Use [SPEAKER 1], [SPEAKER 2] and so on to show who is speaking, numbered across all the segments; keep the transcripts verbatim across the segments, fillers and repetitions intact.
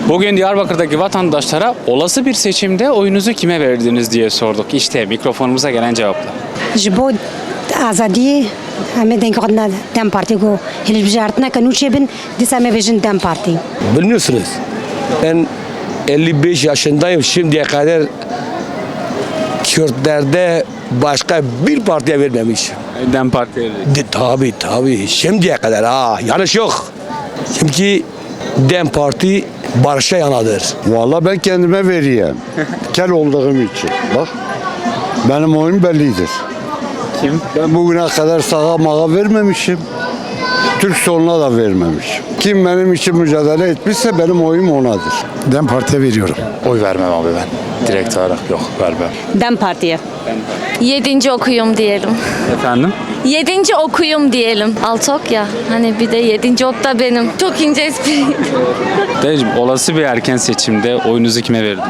[SPEAKER 1] Bugün Diyarbakır'daki vatandaşlara olası bir seçimde oyunuzu kime verdiniz diye sorduk. İşte mikrofonumuza gelen cevaplar.
[SPEAKER 2] Ji bo azadiyê em ê dengê xwe Dem Partî got hilbijartina ke nû çêbin dîsa em ê bêjin Dem Partî.
[SPEAKER 3] Biliyorsunuz ben elli beş yaşındayım, şimdiye kadar Kürtlerde başka bir partiye vermemişim.
[SPEAKER 1] Dem Parti'ye verdik.
[SPEAKER 3] De, tabii tabii şimdiye kadar ha yanlış yok. Çünkü Dem Parti barışa yanadır.
[SPEAKER 4] Vallahi ben kendime vereyim. Kel olduğum için. Bak benim oyun bellidir.
[SPEAKER 1] Kim?
[SPEAKER 4] Ben bugüne kadar sağa mağa vermemişim. Türk soluna da vermemişim. Kim benim için mücadele etmişse benim oyum onadır.
[SPEAKER 5] Dem Parti'ye veriyorum.
[SPEAKER 6] Oy vermem abi ben. Direkt olarak yok, vermem.
[SPEAKER 7] Dem Parti'ye. Yedinci okuyum diyelim.
[SPEAKER 1] Efendim?
[SPEAKER 7] Yedinci okuyum diyelim. Altı ok ya. Hani bir de yedinci ok da benim. Çok ince espri.
[SPEAKER 1] Dayıcım, olası bir erken seçimde oyunuzu kime verdiniz?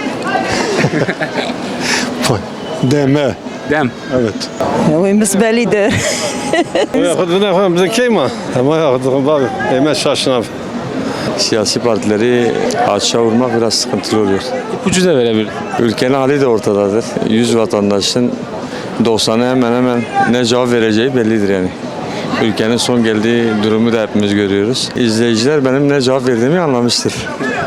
[SPEAKER 4] Deme.
[SPEAKER 1] Dem.
[SPEAKER 4] Evet.
[SPEAKER 8] Oyumuz bellidir.
[SPEAKER 9] Bize kim var? Ama yaptık abi. Hemen şaşın abi.
[SPEAKER 10] Siyasi partileri açığa vurmak biraz sıkıntılı oluyor.
[SPEAKER 1] İpucu da verebilir.
[SPEAKER 10] Ülkenin hali de ortadadır. yüz vatandaşın doksanı hemen hemen ne cevap vereceği bellidir yani. Ülkenin son geldiği durumu da hepimiz görüyoruz. İzleyiciler benim ne cevap verdiğimi anlamıştır.